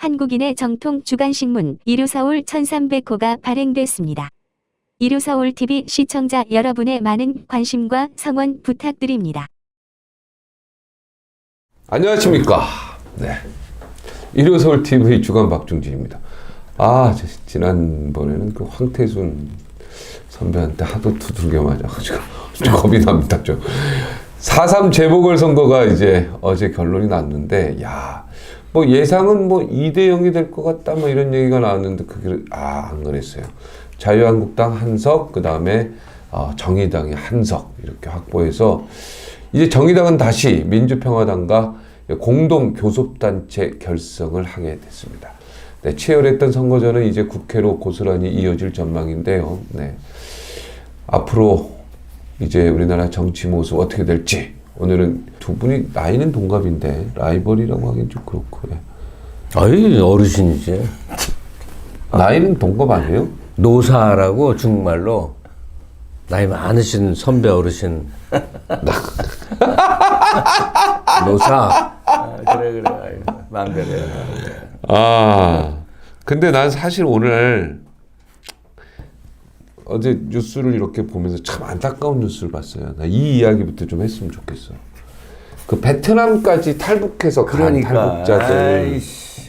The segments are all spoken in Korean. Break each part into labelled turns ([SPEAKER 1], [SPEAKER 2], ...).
[SPEAKER 1] 한국인의 정통 주간신문 이루서울 1300호가 발행됐습니다. 이루서울TV 시청자 여러분의 많은 관심과 성원 부탁드립니다.
[SPEAKER 2] 안녕하십니까. 네. 이루서울TV 주간 박중진입니다. 지난번에는 그 황태순 선배한테 하도 두들겨 맞아가지고 좀 겁이 납니다. 좀. 4.3 재보궐선거가 이제 어제 결론이 났는데, 뭐 예상은 뭐 2대0이 될 것 같다, 뭐 이런 얘기가 나왔는데, 그게, 안 그랬어요. 자유한국당 한석, 그 다음에, 정의당이 한석, 이렇게 확보해서, 이제 정의당은 다시 민주평화당과 공동 교섭단체 결성을 하게 됐습니다. 네, 치열했던 선거전은 이제 국회로 고스란히 이어질 전망인데요. 네. 앞으로 이제 우리나라 정치 모습 어떻게 될지, 오늘은 두 분이 나이는 동갑인데 라이벌이라고 하긴 좀 그렇고. 네.
[SPEAKER 3] 아이, 어르신이지.
[SPEAKER 2] 나이는 동갑 아니에요?
[SPEAKER 3] 노사라고 중국말로 나이 많으신 선배 어르신. 노사. 그래. 마음대로 해.
[SPEAKER 2] 근데 난 사실 오늘 어제 뉴스를 이렇게 보면서 참 안타까운 뉴스를 봤어요. 나 이 이야기부터 좀 했으면 좋겠어. 그 베트남까지 탈북해서 간 탈북자들.
[SPEAKER 4] 아이씨.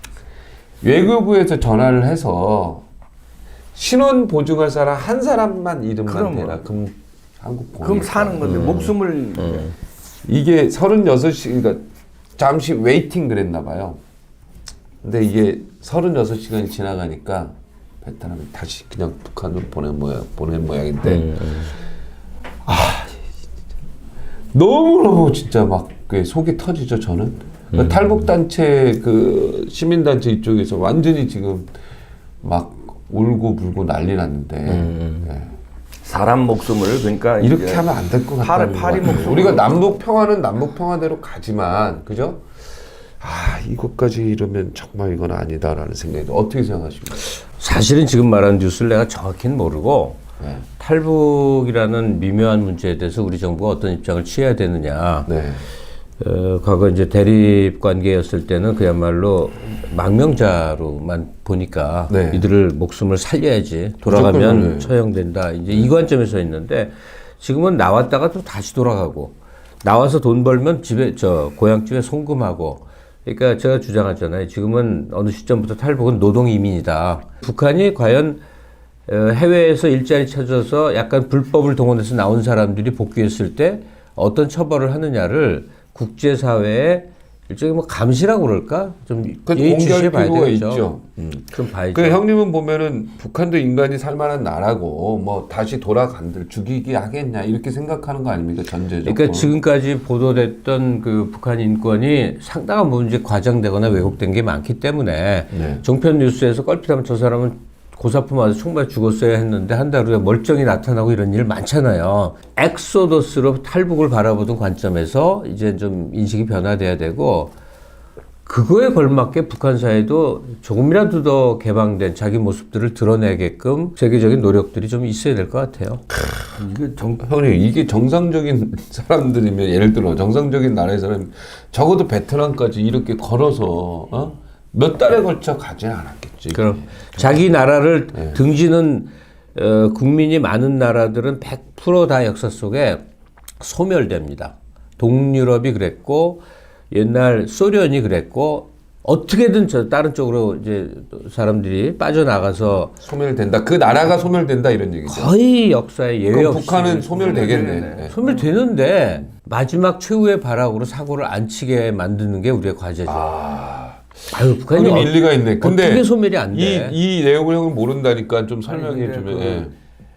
[SPEAKER 2] 외교부에서 전화를 해서 신원 보증할 사람 한 사람만 이름만 대라. 그럼 한국 보내.
[SPEAKER 4] 그럼 사는 건데 목숨을
[SPEAKER 2] 이게 36시, 그러니까 잠시 웨이팅 그랬나 봐요. 근데 이게 36시간이 지나가니까 베트남이 다시 그냥 북한으로 보낸 모양인데, 너무너무 진짜 막 속이 터지죠, 저는. 그러니까 탈북단체, 시민단체 이쪽에서 완전히 지금 막 울고 불고 난리 났는데, 네.
[SPEAKER 4] 사람 목숨을 그러니까
[SPEAKER 2] 이렇게 하면 안 될 것 같다는 거예요. 우리가 남북 평화는 남북 평화대로 가지만, 그죠? 이것까지 이러면 정말 이건 아니다라는 생각이. 어떻게 생각하십니까?
[SPEAKER 3] 사실은 지금 말한 뉴스를 내가 정확히는 모르고,
[SPEAKER 2] 네.
[SPEAKER 3] 탈북이라는 미묘한 문제에 대해서 우리 정부가 어떤 입장을 취해야 되느냐.
[SPEAKER 2] 네.
[SPEAKER 3] 과거 이제 대립 관계였을 때는 그야말로 망명자로만 보니까,
[SPEAKER 2] 네.
[SPEAKER 3] 이들을 목숨을 살려야지, 돌아가면
[SPEAKER 2] 무조건, 네.
[SPEAKER 3] 처형된다, 이제 이 관점에서 있는데, 지금은 나왔다가 또 다시 돌아가고, 나와서 돈 벌면 고향집에 송금하고. 그러니까 제가 주장하잖아요. 지금은 어느 시점부터 탈북은 노동 이민이다. 북한이 과연 해외에서 일자리 찾아서 약간 불법을 동원해서 나온 사람들이 복귀했을 때 어떤 처벌을 하느냐를 국제사회에 일종의 뭐 감시라고 그럴까? 좀 예의주시해 봐야 되겠죠. 좀 봐야죠.
[SPEAKER 2] 그 형님은 보면은 북한도 인간이 살만한 나라고 뭐 다시 돌아간들 죽이기 하겠냐 이렇게 생각하는 거 아닙니까, 전제적으로?
[SPEAKER 3] 그러니까 지금까지 보도됐던 그 북한 인권이 상당한 부분 이제 과장되거나 왜곡된 게 많기 때문에,
[SPEAKER 2] 네.
[SPEAKER 3] 종편 뉴스에서 껄핏하면 저 사람은 고사품 맞아 총맞아 죽었어야 했는데 한 달 후에 멀쩡히 나타나고 이런 일 많잖아요. 엑소더스로 탈북을 바라보던 관점에서 이제 좀 인식이 변화돼야 되고, 그거에 걸맞게 북한 사회도 조금이라도 더 개방된 자기 모습들을 드러내게끔 세계적인 노력들이 좀 있어야 될 것 같아요.
[SPEAKER 2] 형님, 이게 정상적인 사람들이면, 예를 들어 정상적인 나라의 사람 적어도 베트남까지 이렇게 걸어서 몇 달에 걸쳐 가진 않았겠지.
[SPEAKER 3] 그럼 자기 나라를 등지는 국민이 많은 나라들은 100% 다 역사 속에 소멸됩니다. 동유럽이 그랬고, 옛날 소련이 그랬고, 어떻게든 다른 쪽으로 이제 사람들이 빠져나가서
[SPEAKER 2] 소멸된다. 그 나라가 소멸된다 이런 얘기죠.
[SPEAKER 3] 거의 역사에 예외
[SPEAKER 2] 그럼
[SPEAKER 3] 없이
[SPEAKER 2] 북한은 소멸되겠네. 네.
[SPEAKER 3] 소멸되는데 마지막 최후의 발악으로 사고를 안 치게 만드는 게 우리의 과제죠. 북한이
[SPEAKER 2] 그건 일리가 있네. 근데
[SPEAKER 3] 어떻게 소멸이 안 돼?
[SPEAKER 2] 이 내용을 형은 모른다니까 좀 설명해 주면.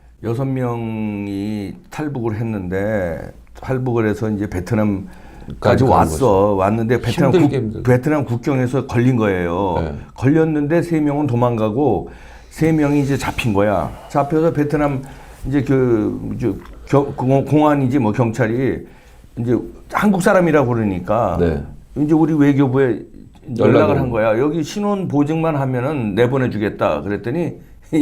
[SPEAKER 4] 6명이 탈북을 했는데, 탈북을 해서 이제 베트남까지 왔는데 베트남 국경에서 걸린 거예요.
[SPEAKER 2] 네.
[SPEAKER 4] 걸렸는데 3명은 도망가고 3명이 이제 잡힌 거야. 잡혀서 베트남 이제 공안이지 뭐 경찰이 이제 한국 사람이라고 그러니까,
[SPEAKER 2] 네.
[SPEAKER 4] 이제 우리 외교부에 연락을 한 거야. 여기 신원 보증만 하면은 내보내주겠다. 그랬더니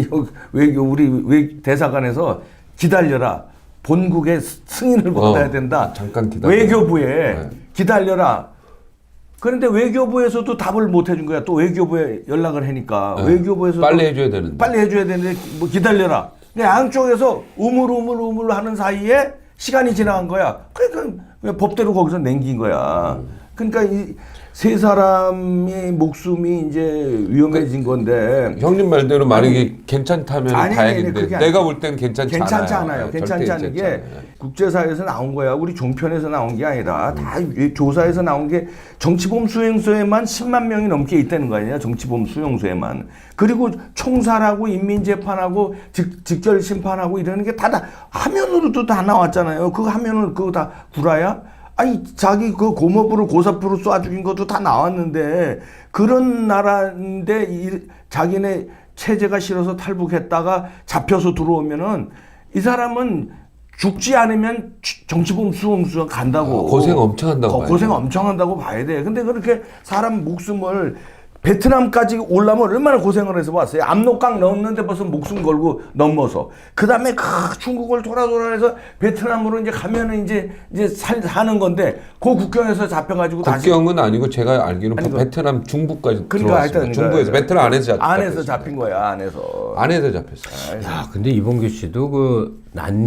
[SPEAKER 4] 우리 대사관에서 기다려라. 본국의 승인을 받아야 된다.
[SPEAKER 2] 잠깐 기다려.
[SPEAKER 4] 외교부에 기다려라. 그런데 외교부에서도 답을 못 해준 거야. 또 외교부에 연락을 하니까 외교부에서
[SPEAKER 2] 빨리 해줘야 되는데.
[SPEAKER 4] 빨리 해줘야 되는데 뭐 기다려라. 근데 양쪽에서 우물우물 하는 사이에 시간이 지나간 거야. 그러니까 그냥 법대로 거기서 남긴 거야. 그러니까 이 세 사람의 목숨이 이제 위험해진 건데.
[SPEAKER 2] 형님 말대로 만약에 괜찮다면
[SPEAKER 4] 아니,
[SPEAKER 2] 다행인데
[SPEAKER 4] 그게
[SPEAKER 2] 내가 볼 땐 괜찮지 않아요. 네,
[SPEAKER 4] 괜찮지
[SPEAKER 2] 절대
[SPEAKER 4] 않은 게
[SPEAKER 2] 괜찮지 않아요.
[SPEAKER 4] 국제사회에서 나온 거야. 우리 종편에서 나온 게 아니라 다 조사에서 나온 게 정치범 수용소에만 10만 명이 넘게 있다는 거 아니야. 정치범 수용소에만. 그리고 총살하고 인민재판하고 직결심판하고 이러는 게 다 화면으로도 다 나왔잖아요. 그 화면을 그거 다 구라야? 아니 자기 그 고모부를 고사부로 쏴 죽인 것도 다 나왔는데 그런 나라인데 자기네 체제가 싫어서 탈북했다가 잡혀서 들어오면은 이 사람은 죽지 않으면 정치범 수용소 간다고.
[SPEAKER 2] 고생 엄청 한다고 봐야
[SPEAKER 4] 고생
[SPEAKER 2] 돼.
[SPEAKER 4] 엄청 한다고 봐야 돼. 근데 그렇게 사람 목숨을 베트남까지 올라면 얼마나 고생을 해서 왔어요. 압록강 넘는데 벌써 목숨 걸고 넘어서. 그 다음에 중국을 돌아서 베트남으로 이제 가면은 이제 사는 건데 그 국경에서 잡혀가지고 다시.
[SPEAKER 2] 국경은 아니고 제가 알기로는
[SPEAKER 4] 아니,
[SPEAKER 2] 베트남 중부까지
[SPEAKER 4] 그러니까
[SPEAKER 2] 들어왔습니다.
[SPEAKER 4] 하여튼
[SPEAKER 2] 중부에서 베트남 안에서
[SPEAKER 4] 잡힌 거야. 안에서.
[SPEAKER 2] 안에서 잡혔어요.
[SPEAKER 3] 야, 근데 이봉규 씨도 그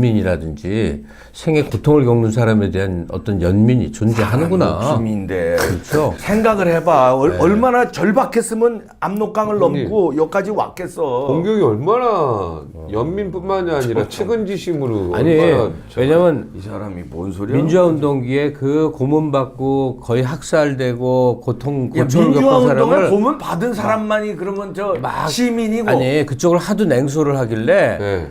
[SPEAKER 3] 난민이라든지 생애 고통을 겪는 사람에 대한 어떤 연민이 존재하는구나.
[SPEAKER 4] 목숨인데.
[SPEAKER 3] 그렇죠.
[SPEAKER 4] 생각을 해봐. 얼마나 절박했으면 압록강을 넘고 여기까지 왔겠어.
[SPEAKER 2] 공격이 얼마나 연민뿐만이 아니라 측은지심으로
[SPEAKER 3] 아니,
[SPEAKER 2] 얼마나
[SPEAKER 3] 왜냐면
[SPEAKER 4] 이 사람이 뭔 소리야?
[SPEAKER 3] 민주화 운동기에 그 고문받고 거의 학살되고 고통을
[SPEAKER 4] 민주화
[SPEAKER 3] 겪은
[SPEAKER 4] 운동을
[SPEAKER 3] 사람을
[SPEAKER 4] 고문 받은 사람만이 그러면 저 시민이고.
[SPEAKER 3] 아니 그쪽을 하도 냉소를 하길래
[SPEAKER 2] 네.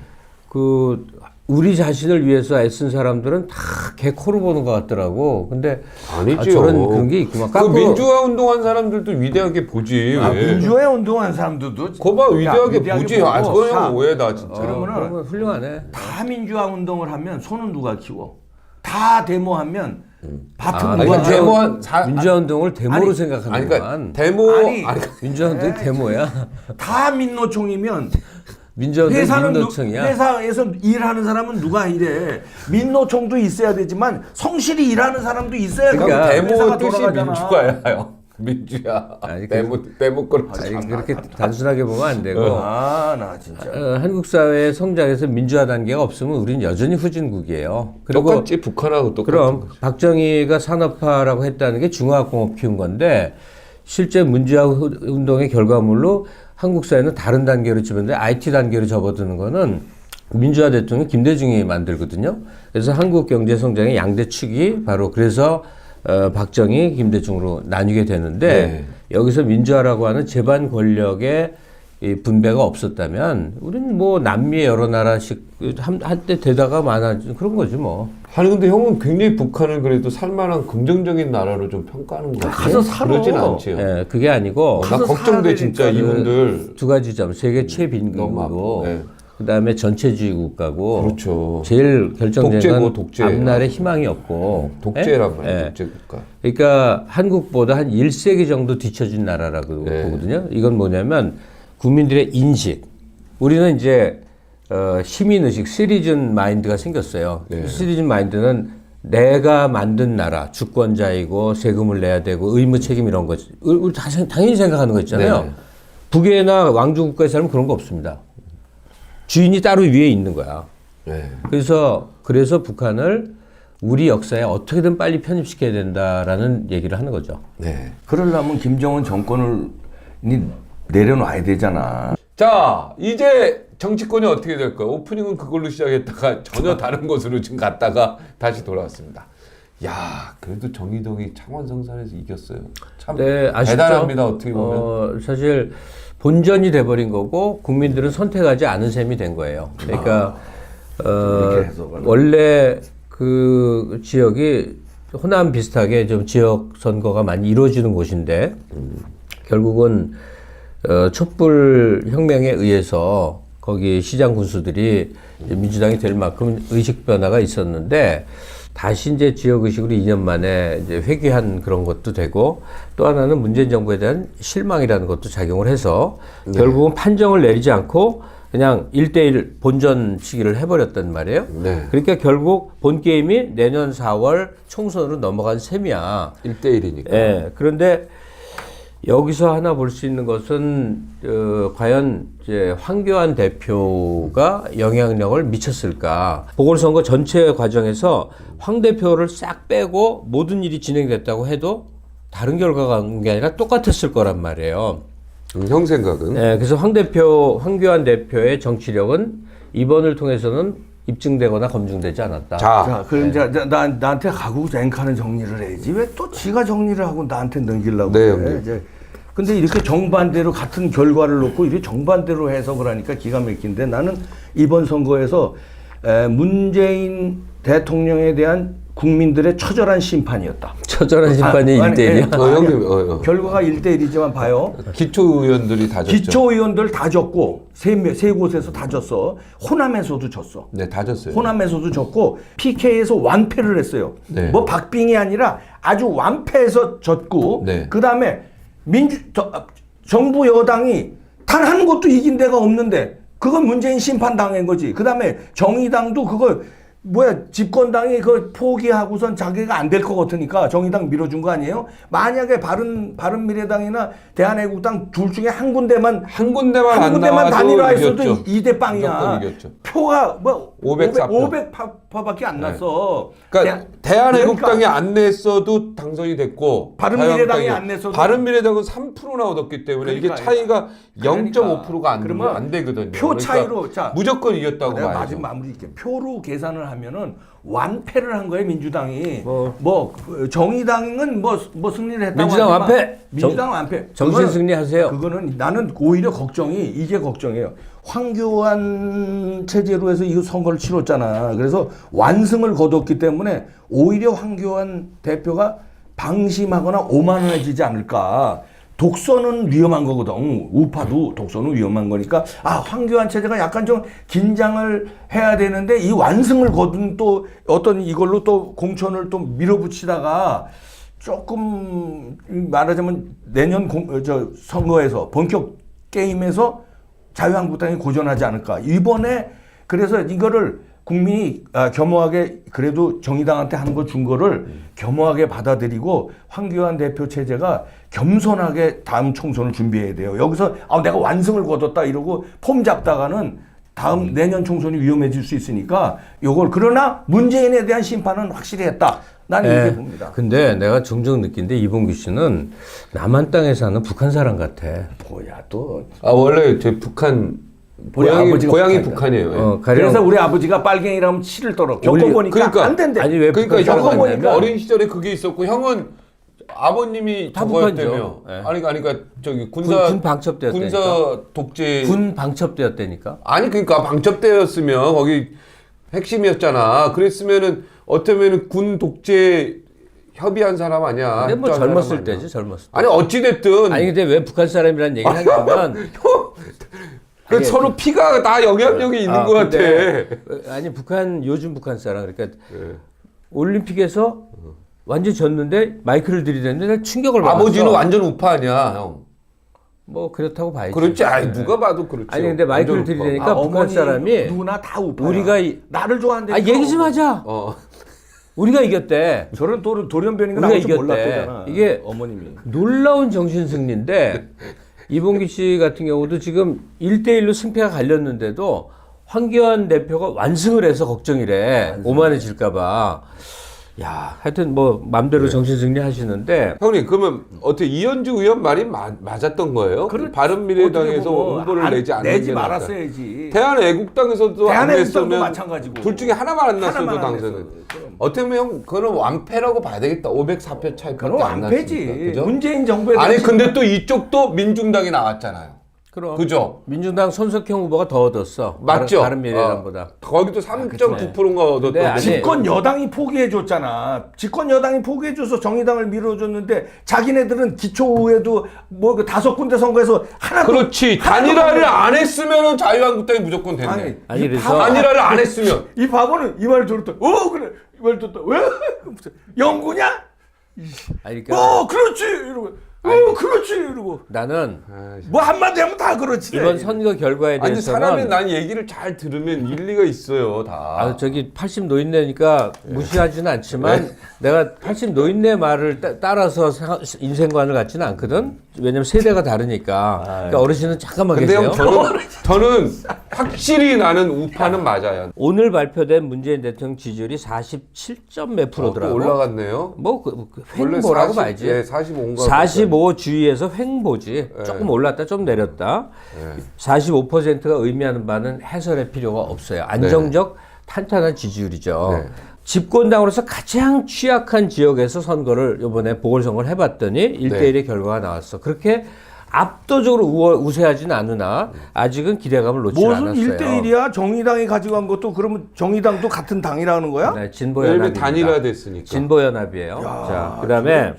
[SPEAKER 3] 그 우리 자신을 위해서 애쓴 사람들은 다 개코로 보는 것 같더라고. 근데
[SPEAKER 2] 아니죠.
[SPEAKER 3] 저런 그런 게 있구만.
[SPEAKER 2] 그 민주화 운동한 사람들도 위대하게 보지. 왜?
[SPEAKER 4] 민주화에 운동한 사람들도
[SPEAKER 2] 거봐 위대하게 보지.
[SPEAKER 4] 보고
[SPEAKER 2] 아, 그거는
[SPEAKER 4] 다-
[SPEAKER 2] 오해다 진짜.
[SPEAKER 4] 그러면은
[SPEAKER 3] 훌륭하네.
[SPEAKER 4] 다 민주화 운동을 하면 손은 누가 키워? 다 데모하면 밭은
[SPEAKER 3] 아,
[SPEAKER 4] 누가
[SPEAKER 2] 그러니까
[SPEAKER 4] 키워?
[SPEAKER 2] 데모한
[SPEAKER 3] 민주화 운동을 데모로
[SPEAKER 4] 아니,
[SPEAKER 3] 생각하는
[SPEAKER 2] 아니
[SPEAKER 3] 거만.
[SPEAKER 2] 그러니까 데모
[SPEAKER 4] 아니,
[SPEAKER 2] 아니,
[SPEAKER 3] 민주화 운동이 데모야.
[SPEAKER 4] 다 민노총이면
[SPEAKER 3] 민주화 운동
[SPEAKER 4] 회사는
[SPEAKER 3] 민노총이야.
[SPEAKER 4] 회사에서 일하는 사람은 누가 일해? 민노총도 있어야 되지만 성실히 일하는 사람도 있어야
[SPEAKER 3] 그러니까
[SPEAKER 4] 회사가
[SPEAKER 2] 데모 뜻이
[SPEAKER 4] 돌아가잖아.
[SPEAKER 2] 민주화예요. 민주화.
[SPEAKER 3] 아니,
[SPEAKER 2] 데모 거를
[SPEAKER 3] 아니, 그렇게 단순하게 보면 안 되고
[SPEAKER 4] 아, 나 진짜.
[SPEAKER 3] 한국 사회의 성장에서 민주화 단계가 없으면 우리는 여전히 후진국이에요. 그리고
[SPEAKER 2] 똑같지 북한하고 똑같은
[SPEAKER 3] 그럼
[SPEAKER 2] 거지.
[SPEAKER 3] 박정희가 산업화라고 했다는 게 중화학공업 키운 건데 실제 문주화 운동의 결과물로 한국 사회는 다른 단계로 집었는데 IT 단계로 접어드는 거는 민주화 대통령 김대중이 만들거든요. 그래서 한국 경제 성장의 양대 축이 바로 그래서 박정희, 김대중으로 나뉘게 되는데
[SPEAKER 2] 네.
[SPEAKER 3] 여기서 민주화라고 하는 재반 권력의 이 분배가 없었다면 우리는 뭐 남미의 여러 나라씩 한때 되다가 많아진 그런 거지 뭐.
[SPEAKER 2] 아니 근데 형은 굉장히 북한을 그래도 살만한 긍정적인 나라로 좀 평가하는 거 같아.
[SPEAKER 4] 가서 살아.
[SPEAKER 2] 그러진 않지요.
[SPEAKER 3] 예, 그게 아니고
[SPEAKER 2] 나 걱정돼 진짜 이분들.
[SPEAKER 3] 두 가지 점. 세계 최빈국이고
[SPEAKER 2] 네.
[SPEAKER 3] 그다음에 전체주의 국가고
[SPEAKER 2] 그렇죠.
[SPEAKER 3] 제일 결정적인 건
[SPEAKER 2] 독재고, 독재.
[SPEAKER 3] 앞날에 희망이 없고
[SPEAKER 2] 독재란
[SPEAKER 3] 예?
[SPEAKER 2] 말이에요.
[SPEAKER 3] 예.
[SPEAKER 2] 독재 국가.
[SPEAKER 3] 그러니까 한국보다 한 1세기 정도 뒤처진 나라라고
[SPEAKER 2] 네.
[SPEAKER 3] 보거든요. 이건 뭐냐면 국민들의 인식. 우리는 이제 시민의식, 시리즌 마인드가 생겼어요.
[SPEAKER 2] 네.
[SPEAKER 3] 시리즌 마인드는 내가 만든 나라, 주권자이고 세금을 내야 되고 의무 책임 이런 거지. 우리 당연히 생각하는 거 있잖아요.
[SPEAKER 2] 네.
[SPEAKER 3] 북이나 왕조 국가에 살면 그런 거 없습니다. 주인이 따로 위에 있는 거야.
[SPEAKER 2] 네.
[SPEAKER 3] 그래서 북한을 우리 역사에 어떻게든 빨리 편입시켜야 된다라는 얘기를 하는 거죠.
[SPEAKER 2] 네.
[SPEAKER 4] 그러려면 김정은 정권을 내려놔야 되잖아.
[SPEAKER 2] 자, 이제 정치권이 어떻게 될까요? 오프닝은 그걸로 시작했다가 전혀 다른 곳으로 지금 갔다가 다시 돌아왔습니다. 야, 그래도 정의동이 창원 성산에서 이겼어요. 참
[SPEAKER 3] 네, 아쉽죠?
[SPEAKER 2] 대단합니다. 어떻게 보면.
[SPEAKER 3] 사실 본전이 돼버린 거고 국민들은 선택하지 않은 셈이 된 거예요. 그러니까
[SPEAKER 4] 이렇게 해석을.
[SPEAKER 3] 원래 그 지역이 호남 비슷하게 좀 지역 선거가 많이 이루어지는 곳인데 결국은 촛불 혁명에 의해서 거기 시장 군수들이 이제 민주당이 될 만큼 의식 변화가 있었는데 다시 이제 지역 의식으로 2년 만에 이제 회귀한 그런 것도 되고 또 하나는 문재인 정부에 대한 실망이라는 것도 작용을 해서 결국은 판정을 내리지 않고 그냥 1대1 본전 시기를 해버렸단 말이에요.
[SPEAKER 2] 네.
[SPEAKER 3] 그러니까 결국 본 게임이 내년 4월 총선으로 넘어간 셈이야.
[SPEAKER 2] 1대1이니까.
[SPEAKER 3] 예. 그런데 여기서 하나 볼 수 있는 것은 과연 이제 황교안 대표가 영향력을 미쳤을까? 보궐선거 전체 과정에서 황 대표를 싹 빼고 모든 일이 진행됐다고 해도 다른 결과가 온 게 아니라 똑같았을 거란 말이에요.
[SPEAKER 2] 형 생각은?
[SPEAKER 3] 네, 그래서 황교안 대표의 정치력은 이번을 통해서는 입증되거나 검증되지 않았다.
[SPEAKER 4] 자, 그럼 이제 나한테 하고 앵카는 정리를 해야지. 왜 또 지가 정리를 하고 나한테 넘기려고
[SPEAKER 2] 네,
[SPEAKER 4] 그래.
[SPEAKER 2] 형님.
[SPEAKER 4] 이제 근데 이렇게 정반대로 같은 결과를 놓고 이렇게 정반대로 해석을 하니까 기가 막힌데 나는 이번 선거에서 문재인 대통령에 대한 국민들의 처절한 심판이었다.
[SPEAKER 3] 처절한 심판이 1대1이야.
[SPEAKER 2] 형님,
[SPEAKER 4] 결과가 1대1이지만 봐요.
[SPEAKER 2] 기초의원들이 다 졌죠.
[SPEAKER 4] 기초의원들 다 졌고 세 곳에서 다 졌어. 호남에서도 졌어.
[SPEAKER 2] 네, 다 졌어요.
[SPEAKER 4] 호남에서도 졌고 PK에서 완패를 했어요.
[SPEAKER 2] 네.
[SPEAKER 4] 뭐 박빙이 아니라 아주 완패해서 졌고
[SPEAKER 2] 네.
[SPEAKER 4] 그다음에 정부 여당이 단 한 곳도 이긴 데가 없는데 그건 문재인 심판 당한 거지. 그다음에 정의당도 그걸 집권당이 그걸 포기하고선 자기가 안 될 것 같으니까 정의당 밀어준 거 아니에요? 만약에 바른미래당이나 대한애국당 둘 중에 한 군데만
[SPEAKER 2] 한 군데만 안 나와도
[SPEAKER 4] 단일화했어도
[SPEAKER 2] 이겼죠.
[SPEAKER 4] 2대 빵이야.
[SPEAKER 2] 무조건 이겼죠.
[SPEAKER 4] 표가
[SPEAKER 2] 504표.
[SPEAKER 4] 500표밖에 안 났어.
[SPEAKER 2] 그러니까 대한애국당이 안 냈어도 당선이 됐고
[SPEAKER 4] 바른미래당이 안 냈어도
[SPEAKER 2] 바른미래당은 3%나 얻었기 때문에 이게 차이가 0.5%가 안 되거든요.
[SPEAKER 4] 표 차이로
[SPEAKER 2] 그러니까 무조건 이겼다고
[SPEAKER 4] 내가
[SPEAKER 2] 봐야죠.
[SPEAKER 4] 마지막 마무리 할게. 표로 계산을 하면은 완패를 한 거예요 민주당이. 정의당은 승리를 했다고
[SPEAKER 3] 민주당
[SPEAKER 4] 하지만
[SPEAKER 3] 완패!
[SPEAKER 4] 민주당 완패.
[SPEAKER 3] 정신 승리하세요.
[SPEAKER 4] 그거는 나는 오히려 이게 걱정이에요. 황교안 체제로 해서 이 선거를 치렀잖아. 그래서 완승을 거뒀기 때문에 오히려 황교안 대표가 방심하거나 오만해지지 않을까. 독선은 위험한 거거든. 우파도 독선은 위험한 거니까 황교안 체제가 약간 좀 긴장을 해야 되는데 이 완승을 거둔 또 어떤 이걸로 또 공천을 또 밀어붙이다가 조금 말하자면 내년 선거에서 본격 게임에서 자유한국당이 고전하지 않을까. 이번에 그래서 이거를 국민이 겸허하게 그래도 정의당한테 한 거 준 거를 겸허하게 받아들이고 황교안 대표 체제가 겸손하게 다음 총선을 준비해야 돼요. 여기서 내가 완승을 거뒀다 이러고 폼 잡다가는 다음 내년 총선이 위험해질 수 있으니까 요걸 그러나 문재인에 대한 심판은 확실히 했다. 나는 이렇게 봅니다.
[SPEAKER 3] 근데 내가 종종 느낀데 이봉규 씨는 남한 땅에 사는 북한 사람 같아.
[SPEAKER 4] 뭐야 또.
[SPEAKER 2] 원래 제 북한 고향이 북한이에요.
[SPEAKER 4] 그래서 우리 아버지가 빨갱이라면 치를 떨어. 겪어보니까
[SPEAKER 2] 그러니까,
[SPEAKER 4] 안 된대.
[SPEAKER 3] 아니 왜
[SPEAKER 2] 겪어보니까 어린 시절에 그게 있었고 형은 아버님이
[SPEAKER 3] 다
[SPEAKER 2] 저거였다며.
[SPEAKER 3] 북한이죠.
[SPEAKER 2] 아니 그러니까 저기
[SPEAKER 3] 군 방첩대였다니까.
[SPEAKER 2] 군사 독재.
[SPEAKER 3] 군 방첩대였다니까.
[SPEAKER 2] 아니 그러니까 방첩대였으면 거기 핵심이었잖아. 그랬으면은 어쩌면은 군 독재 협의한 사람 아니야.
[SPEAKER 3] 근데 뭐
[SPEAKER 2] 협조한
[SPEAKER 3] 젊었을
[SPEAKER 2] 사람
[SPEAKER 3] 때지
[SPEAKER 2] 아니야.
[SPEAKER 3] 젊었을 때.
[SPEAKER 2] 아니 어찌 됐든.
[SPEAKER 3] 아니 근데 왜 북한 사람이라는 얘기를 하냐면
[SPEAKER 2] 그 서로 피가 다 영향력이 있는 것 같아.
[SPEAKER 3] 아니 요즘 북한 사람 그러니까
[SPEAKER 2] 네.
[SPEAKER 3] 올림픽에서 완전 졌는데 마이크를 들이댔는데 충격을 받았어.
[SPEAKER 2] 아버지는 완전 우파 아니야, 형.
[SPEAKER 3] 뭐 그렇다고 봐야지.
[SPEAKER 2] 그렇지. 아니 누가 봐도 그렇지.
[SPEAKER 3] 아니 근데 마이크를 들이대니까 북한 사람이
[SPEAKER 4] 누구나 다 우파야.
[SPEAKER 3] 우리가
[SPEAKER 4] 나를 좋아한대.
[SPEAKER 3] 얘기 좀 하자. 우리가 이겼대.
[SPEAKER 4] 저런 돌연변이가
[SPEAKER 3] 우리가
[SPEAKER 4] 나올 줄
[SPEAKER 3] 이겼대.
[SPEAKER 4] 몰랐대잖아.
[SPEAKER 3] 이게
[SPEAKER 4] 어머님이.
[SPEAKER 3] 놀라운 정신 승리인데 이봉규 씨 같은 경우도 지금 1대1로 승패가 갈렸는데도 황교안 대표가 완승을 해서 걱정이래. 오만해질까 봐. 야, 하여튼 뭐 맘대로 정신 승리 하시는데
[SPEAKER 2] 형님 그러면 어떻게 이현주 의원 말이 맞았던 거예요? 바른미래당에서 홍보를 내지 않는
[SPEAKER 4] 내지
[SPEAKER 2] 게 낫다.
[SPEAKER 4] 말았어야지.
[SPEAKER 2] 대한애국당에서도 안
[SPEAKER 4] 대한애국당도
[SPEAKER 2] 냈으면
[SPEAKER 4] 마찬가지고.
[SPEAKER 2] 둘 중에 하나만 안 났어도
[SPEAKER 4] 하나만 안
[SPEAKER 2] 당선은.
[SPEAKER 4] 냈어도. 그럼.
[SPEAKER 2] 어떻게 보면 형 그거는 완패라고 봐야 되겠다. 504표 차이밖에
[SPEAKER 4] 그럼
[SPEAKER 2] 안
[SPEAKER 4] 완패지.
[SPEAKER 2] 났으니까. 그죠?
[SPEAKER 4] 문재인 정부에
[SPEAKER 2] 아니
[SPEAKER 4] 대한
[SPEAKER 2] 근데 또 이쪽도 민중당이 나왔잖아요.
[SPEAKER 3] 그럼
[SPEAKER 2] 그죠?
[SPEAKER 3] 민주당 손석형 후보가 더 얻었어.
[SPEAKER 2] 맞죠?
[SPEAKER 3] 바른미래당보다.
[SPEAKER 2] 거기도 3.9%인가 얻었던
[SPEAKER 3] 네, 아니,
[SPEAKER 4] 집권 여당이 포기해줬잖아. 집권 여당이 포기해줘서 정의당을 밀어줬는데 자기네들은 기초의회도 뭐 그 5군데 선거에서 하나도
[SPEAKER 2] 그렇지. 단일화를 안 했으면은 자유한국당이 무조건 됐네.
[SPEAKER 3] 아니,
[SPEAKER 4] 이
[SPEAKER 3] 그래서-
[SPEAKER 2] 단일화를 안 했으면
[SPEAKER 4] 이 바보는 이 말 들었다. 그래 이 말 들었다. 왜 무슨 영구냐?
[SPEAKER 3] 아니, 그러니까
[SPEAKER 4] 그렇지. 이러고 그렇지 이러고
[SPEAKER 3] 나는
[SPEAKER 4] 뭐 한마디 하면 다 그렇지.
[SPEAKER 3] 이번 선거 결과에
[SPEAKER 2] 아니
[SPEAKER 3] 대해서는
[SPEAKER 2] 사람이 난 얘기를 잘 들으면 일리가 있어요 다.
[SPEAKER 3] 저기 80 노인네니까 무시하지는 않지만 내가 80 노인네 말을 따라서 인생관을 갖지는 않거든. 왜냐면 세대가 다르니까. 그러니까 어르신은 잠깐만
[SPEAKER 2] 근데
[SPEAKER 3] 계세요.
[SPEAKER 2] 형 저는 확실히 나는 우파는 맞아요.
[SPEAKER 3] 오늘 발표된 문재인 대통령 지지율이 47점 몇
[SPEAKER 2] 또
[SPEAKER 3] 프로더라고.
[SPEAKER 2] 올라갔네요.
[SPEAKER 3] 뭐
[SPEAKER 2] 원래
[SPEAKER 3] 횡보라고
[SPEAKER 2] 40,
[SPEAKER 3] 봐야지.
[SPEAKER 2] 예, 45인가.
[SPEAKER 3] 45 주위에서 횡보지. 조금 올랐다 좀 내렸다. 45%가 의미하는 바는 해설의 필요가 없어요. 안정적 탄탄한 지지율이죠.
[SPEAKER 2] 네.
[SPEAKER 3] 집권당으로서 가장 취약한 지역에서 선거를 이번에 보궐선거를 해봤더니 1대1의 결과가 나왔어. 그렇게 압도적으로 우세하진 않으나 아직은 기대감을 놓지
[SPEAKER 4] 무슨
[SPEAKER 3] 않았어요.
[SPEAKER 4] 1대1이야? 정의당이 가지고 간 것도 그러면 정의당도 같은 당이라는 거야?
[SPEAKER 3] 네,
[SPEAKER 2] 왜냐면
[SPEAKER 3] 진보연합입니다.
[SPEAKER 2] 단일화됐으니까.
[SPEAKER 3] 진보연합이에요. 자, 그다음에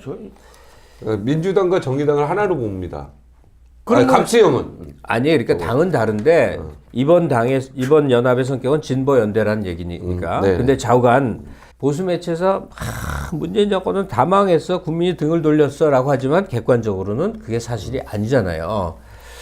[SPEAKER 2] 민주당과 정의당을 하나로 봅니다.
[SPEAKER 4] 그러면-
[SPEAKER 2] 갑수형은
[SPEAKER 3] 아니 그러니까 당은 다른데 이번 연합의 성격은 진보 연대라는 얘기니까.
[SPEAKER 2] 네.
[SPEAKER 3] 근데 좌우간 보수 매체에서 문재인 정권은 다 망했어, 국민이 등을 돌렸어라고 하지만 객관적으로는 그게 사실이 아니잖아요.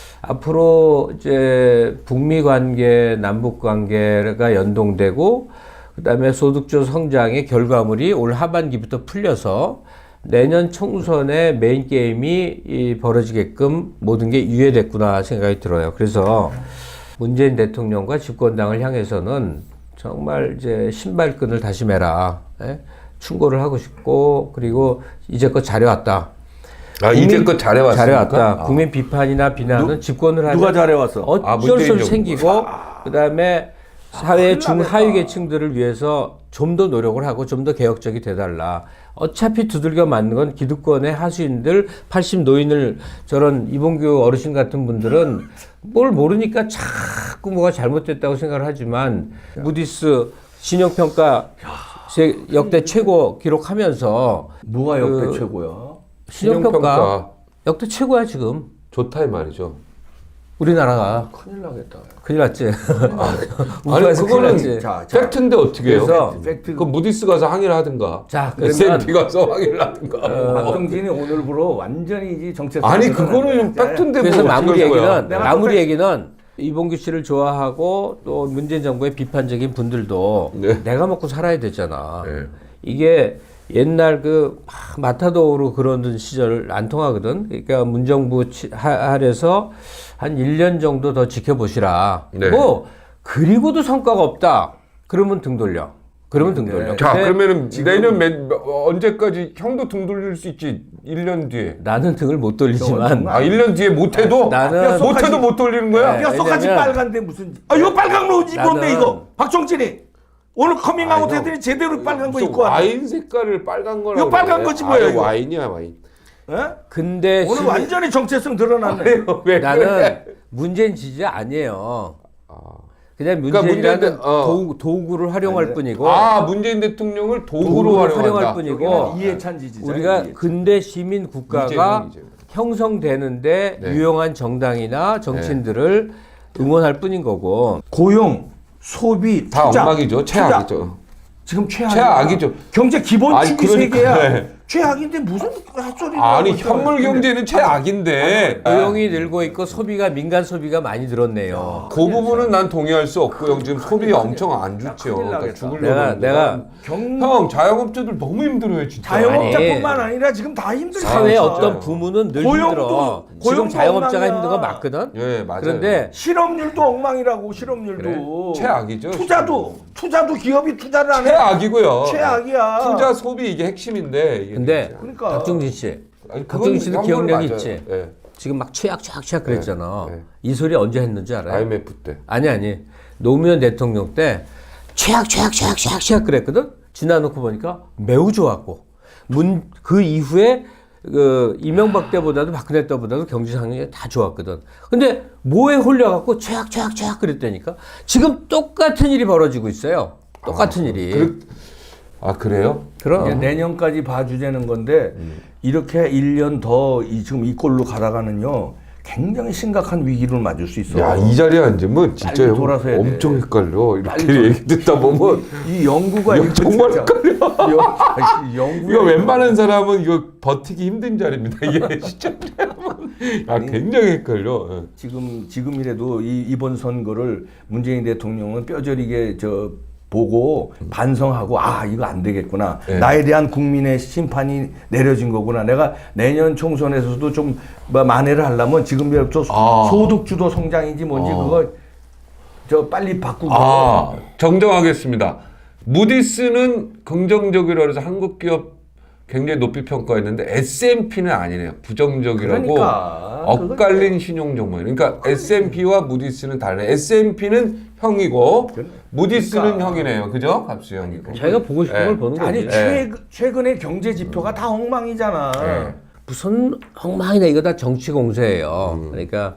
[SPEAKER 3] 앞으로 이제 북미 관계, 남북 관계가 연동되고 그다음에 소득주 성장의 결과물이 올 하반기부터 풀려서 내년 총선의 메인 게임이 벌어지게끔 모든 게 유예됐구나 생각이 들어요. 그래서 문재인 대통령과 집권당을 향해서는 정말 이제 신발끈을 다시 매라. 예? 충고를 하고 싶고 그리고 이제껏 잘해왔다.
[SPEAKER 2] 이제껏 잘해왔습니까?
[SPEAKER 3] 잘해왔다. 국민 비판이나 비난은 집권을 하면
[SPEAKER 4] 누가 잘해왔어?
[SPEAKER 3] 어쩔 수
[SPEAKER 2] 문재인
[SPEAKER 3] 없이 생기고 그다음에 사회
[SPEAKER 4] 큰일
[SPEAKER 3] 중하위
[SPEAKER 4] 나겠다.
[SPEAKER 3] 계층들을 위해서 좀 더 노력을 하고 좀 더 개혁적이 돼달라. 어차피 두들겨 맞는 건 기득권의 하수인들 80 노인을 저런 이봉규 어르신 같은 분들은 뭘 모르니까 자꾸 뭐가 잘못됐다고 생각을 하지만 무디스 신용평가 역대 최고 기록하면서
[SPEAKER 4] 뭐가 역대
[SPEAKER 3] 그
[SPEAKER 4] 최고야?
[SPEAKER 3] 신용평가 역대 최고야 지금
[SPEAKER 2] 좋다 이 말이죠.
[SPEAKER 3] 우리나라가
[SPEAKER 4] 큰일 나겠다.
[SPEAKER 3] 큰일 났지.
[SPEAKER 2] 아니
[SPEAKER 3] 우리나라에서 큰일 났지.
[SPEAKER 2] 그거는
[SPEAKER 4] 자,
[SPEAKER 2] 팩트인데 어떻게 해요?
[SPEAKER 3] 그래서
[SPEAKER 4] 팩트.
[SPEAKER 2] 그 무디스 가서 항의를 하든가.
[SPEAKER 3] 자, 그러면
[SPEAKER 2] S&P 가서 항의를 하든가.
[SPEAKER 4] 박정진이 오늘부로 완전히 이제 정책.
[SPEAKER 2] 아니 그거는 팩트인데
[SPEAKER 3] 그래서
[SPEAKER 2] 뭐
[SPEAKER 3] 마무리
[SPEAKER 2] 어떻게 할 거야?
[SPEAKER 3] 얘기는 마무리 얘기는 이봉규 씨를 좋아하고 또 문재인 정부의 비판적인 분들도
[SPEAKER 2] 네.
[SPEAKER 3] 내가 먹고 살아야 되잖아.
[SPEAKER 2] 네.
[SPEAKER 3] 이게 옛날 그 마타도로 그러던 시절 안 통하거든. 그러니까 문정부 하에서 한 1년 정도 더 지켜보시라.
[SPEAKER 2] 네.
[SPEAKER 3] 뭐 그리고도 성과가 없다. 그러면 등 돌려. 그러면 등 돌려.
[SPEAKER 2] 자
[SPEAKER 3] 근데
[SPEAKER 2] 그러면은 내년 언제까지 형도 등 돌릴 수 있지? 1년 뒤에.
[SPEAKER 3] 나는 등을 못 돌리지만
[SPEAKER 2] 1년 뒤에 못해도?
[SPEAKER 3] 나는-
[SPEAKER 2] 못해도 못 돌리는 거야?
[SPEAKER 3] 네.
[SPEAKER 4] 뼛속까지
[SPEAKER 3] 왜냐면-
[SPEAKER 4] 빨간데 무슨? 이거 빨간 옷 입었네
[SPEAKER 3] 나는-
[SPEAKER 4] 이거. 박정진이 오늘 커밍아웃
[SPEAKER 2] 형,
[SPEAKER 4] 했더니 제대로 빨간 거
[SPEAKER 2] 무슨
[SPEAKER 4] 입고 왔네.
[SPEAKER 2] 와인 색깔을 빨간 거라고.
[SPEAKER 4] 이거 빨간
[SPEAKER 2] 그래.
[SPEAKER 4] 거지 뭐야,
[SPEAKER 2] 아니,
[SPEAKER 4] 이거.
[SPEAKER 2] 와인이야 와인.
[SPEAKER 4] 예?
[SPEAKER 3] 근데
[SPEAKER 4] 오늘 완전히 정체성 드러났네.
[SPEAKER 2] 왜
[SPEAKER 3] 나는
[SPEAKER 2] 그래?
[SPEAKER 3] 문재인 지지자 아니에요. 그냥
[SPEAKER 2] 그러니까
[SPEAKER 3] 문재인이라는
[SPEAKER 2] 문재인-
[SPEAKER 3] 도구를 활용할 뿐이고
[SPEAKER 2] 문재인 대통령을 도구로
[SPEAKER 3] 도구를 활용할
[SPEAKER 2] 활용한다.
[SPEAKER 3] 뿐이고
[SPEAKER 4] 이해찬 지지자.
[SPEAKER 3] 우리가 근대 시민 국가가
[SPEAKER 2] 이재명.
[SPEAKER 3] 형성되는데
[SPEAKER 2] 네.
[SPEAKER 3] 유용한 정당이나 정치인들을 응원할 뿐인 거고.
[SPEAKER 4] 고용, 소비,
[SPEAKER 2] 다
[SPEAKER 4] 투자.
[SPEAKER 2] 엉망이죠.
[SPEAKER 4] 투자.
[SPEAKER 2] 최악이죠.
[SPEAKER 4] 지금 최악이야.
[SPEAKER 2] 최악이죠.
[SPEAKER 4] 경제 기본축이
[SPEAKER 2] 아니,
[SPEAKER 4] 세 개야.
[SPEAKER 2] 그러니까, 네.
[SPEAKER 4] 최악인데 무슨 헛소리를
[SPEAKER 2] 아니
[SPEAKER 4] 하고 있어.
[SPEAKER 2] 현물 경제는 최악인데
[SPEAKER 3] 고용이 늘고 있고 소비가 민간 소비가 많이 늘었네요.
[SPEAKER 2] 그 부분은 난 동의할 수 없고요. 지금 소비 엄청 안 좋죠.
[SPEAKER 4] 큰일
[SPEAKER 2] 그러니까
[SPEAKER 4] 나겠다.
[SPEAKER 2] 죽으려고.
[SPEAKER 3] 내가
[SPEAKER 2] 형 자영업자들 너무 힘들어요 진짜.
[SPEAKER 4] 자영업자뿐만 아니라 지금 다 힘들어.
[SPEAKER 3] 사회
[SPEAKER 2] 진짜.
[SPEAKER 3] 어떤 부문은 늘
[SPEAKER 4] 고용도-
[SPEAKER 3] 힘들어. 지금
[SPEAKER 4] 고용도
[SPEAKER 3] 자영업자가
[SPEAKER 4] 엉망이야.
[SPEAKER 3] 힘든 거 맞거든.
[SPEAKER 2] 예 맞아요.
[SPEAKER 3] 그런데
[SPEAKER 4] 실업률도 엉망이라고 실업률도.
[SPEAKER 2] 최악이죠.
[SPEAKER 4] 투자도 기업이 투자를 안 해.
[SPEAKER 2] 최악이고요.
[SPEAKER 4] 최악이야.
[SPEAKER 2] 투자 소비 이게 핵심인데. 이게
[SPEAKER 3] 근데
[SPEAKER 2] 진짜.
[SPEAKER 4] 그러니까.
[SPEAKER 3] 박종진 씨,
[SPEAKER 2] 아니, 그건
[SPEAKER 3] 박종진 씨도
[SPEAKER 2] 형벌
[SPEAKER 3] 기억력이
[SPEAKER 2] 맞아요.
[SPEAKER 3] 있지.
[SPEAKER 2] 예.
[SPEAKER 3] 지금 막 최악 그랬잖아.
[SPEAKER 2] 네.
[SPEAKER 3] 이 소리 언제 했는지 알아요?
[SPEAKER 2] IMF 때.
[SPEAKER 3] 아니 노무현 대통령 때 최악 그랬거든. 지나놓고 보니까 매우 좋았고 그 이후에 그 이명박 때보다도 박근혜 때보다도 경제 상황이 다 좋았거든. 근데 뭐에 홀려갖고 최악 그랬다니까. 지금 똑같은 일이 벌어지고 있어요. 똑같은 일이.
[SPEAKER 2] 그래요?
[SPEAKER 3] 그럼.
[SPEAKER 4] 이제 내년까지 봐주자는 건데 이렇게 1년 더 지금 이 꼴로 가다가는요 굉장히 심각한 위기를 맞을 수 있어.
[SPEAKER 2] 야, 이 자리에 앉으면 진짜
[SPEAKER 4] 빨리
[SPEAKER 2] 형
[SPEAKER 4] 돌아서야 돼.
[SPEAKER 2] 엄청 헷갈려. 이렇게
[SPEAKER 4] 빨리
[SPEAKER 2] 얘기 듣다 보면
[SPEAKER 4] 이 연구가
[SPEAKER 2] 이거 정말
[SPEAKER 4] 진짜- 연구
[SPEAKER 2] 이거 웬만한 사람은 이거 버티기 힘든 자리입니다. 이게 진짜 야, 굉장히 헷갈려. 예.
[SPEAKER 4] 지금이라도 이번 선거를 문재인 대통령은 뼈저리게 보고 반성하고 이거 안 되겠구나.
[SPEAKER 2] 네.
[SPEAKER 4] 나에 대한 국민의 심판이 내려진 거구나. 내가 내년 총선에서도 좀 만회를 하려면 지금부터 소득주도 성장인지 뭔지 그거 빨리 바꾸고.
[SPEAKER 2] 정정하겠습니다. 무디스는 긍정적이라고 해서 한국 기업 굉장히 높이 평가했는데 S&P는 아니네요. 부정적이라고
[SPEAKER 4] 그러니까,
[SPEAKER 2] 엇갈린 신용 종목이에요. 그러니까 S&P와 무디스는 다르네. S&P는 형이고 무디스는 형이네요. 그죠? 값수 형이고.
[SPEAKER 3] 자기가 보고 싶은
[SPEAKER 2] 네.
[SPEAKER 3] 걸 보는 거지.
[SPEAKER 4] 아니 최근에 경제 지표가 다 엉망이잖아.
[SPEAKER 2] 네.
[SPEAKER 3] 무슨 엉망이다. 이거 다 정치 공세예요. 그러니까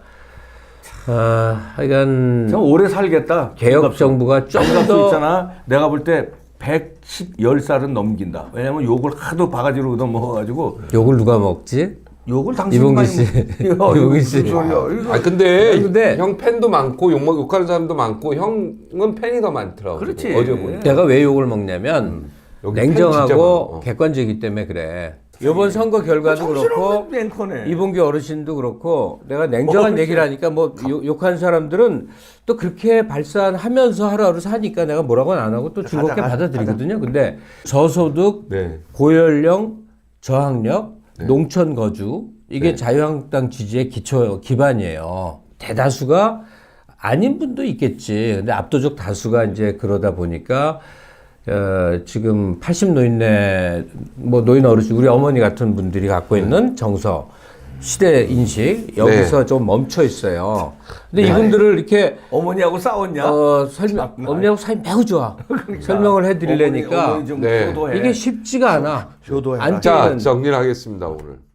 [SPEAKER 3] 하여간
[SPEAKER 4] 저 오래 살겠다.
[SPEAKER 3] 개혁 정부가 좀
[SPEAKER 4] 수
[SPEAKER 3] 더
[SPEAKER 4] 있잖아. 내가 볼 때 10살은 넘긴다. 왜냐면 욕을 하도 바가지로 넘어가가지고
[SPEAKER 3] 욕을 누가 먹지?
[SPEAKER 4] 욕을 당신이
[SPEAKER 3] 이봉기
[SPEAKER 4] 많이
[SPEAKER 3] 씨.
[SPEAKER 4] 먹-
[SPEAKER 3] 이봉기 씨.
[SPEAKER 4] 무슨 소리야. 이거.
[SPEAKER 2] 근데 형 팬도 많고 욕하는 사람도 많고 형은 팬이 더 많더라고.
[SPEAKER 4] 그렇지.
[SPEAKER 2] 어제 보니까.
[SPEAKER 3] 내가 왜 욕을 먹냐면
[SPEAKER 2] 여기 팬 진짜
[SPEAKER 3] 냉정하고
[SPEAKER 2] 많아.
[SPEAKER 3] 객관적이기 때문에 그래. 이번 선거 결과도 그렇고
[SPEAKER 4] 앵커네.
[SPEAKER 3] 이봉규 어르신도 그렇고 내가 냉정한 얘기를 하니까 뭐 욕한 사람들은 또 그렇게 발산하면서 하루하루 사니까 내가 뭐라고는 안 하고 또 즐겁게 받아들이거든요. 근데 저소득,
[SPEAKER 2] 네.
[SPEAKER 3] 고연령, 저학력, 농촌 거주 이게 자유한국당 지지의 기반이에요. 대다수가 아닌 분도 있겠지. 근데 압도적 다수가 이제 그러다 보니까 지금 80 노인네 뭐 노인 어르신 우리 어머니 같은 분들이 갖고 있는 정서 시대 인식 여기서 좀 멈춰 있어요. 근데 이분들을 이렇게
[SPEAKER 4] 어머니하고 싸웠냐?
[SPEAKER 3] 어머니하고 사이 매우 좋아. 설명을 해드리려니까
[SPEAKER 4] 어머니 좀
[SPEAKER 2] 네.
[SPEAKER 4] 효도해.
[SPEAKER 3] 이게 쉽지가 않아.
[SPEAKER 4] 효도해라.
[SPEAKER 3] 안
[SPEAKER 2] 자,
[SPEAKER 3] 되는
[SPEAKER 2] 정리를 하겠습니다, 오늘.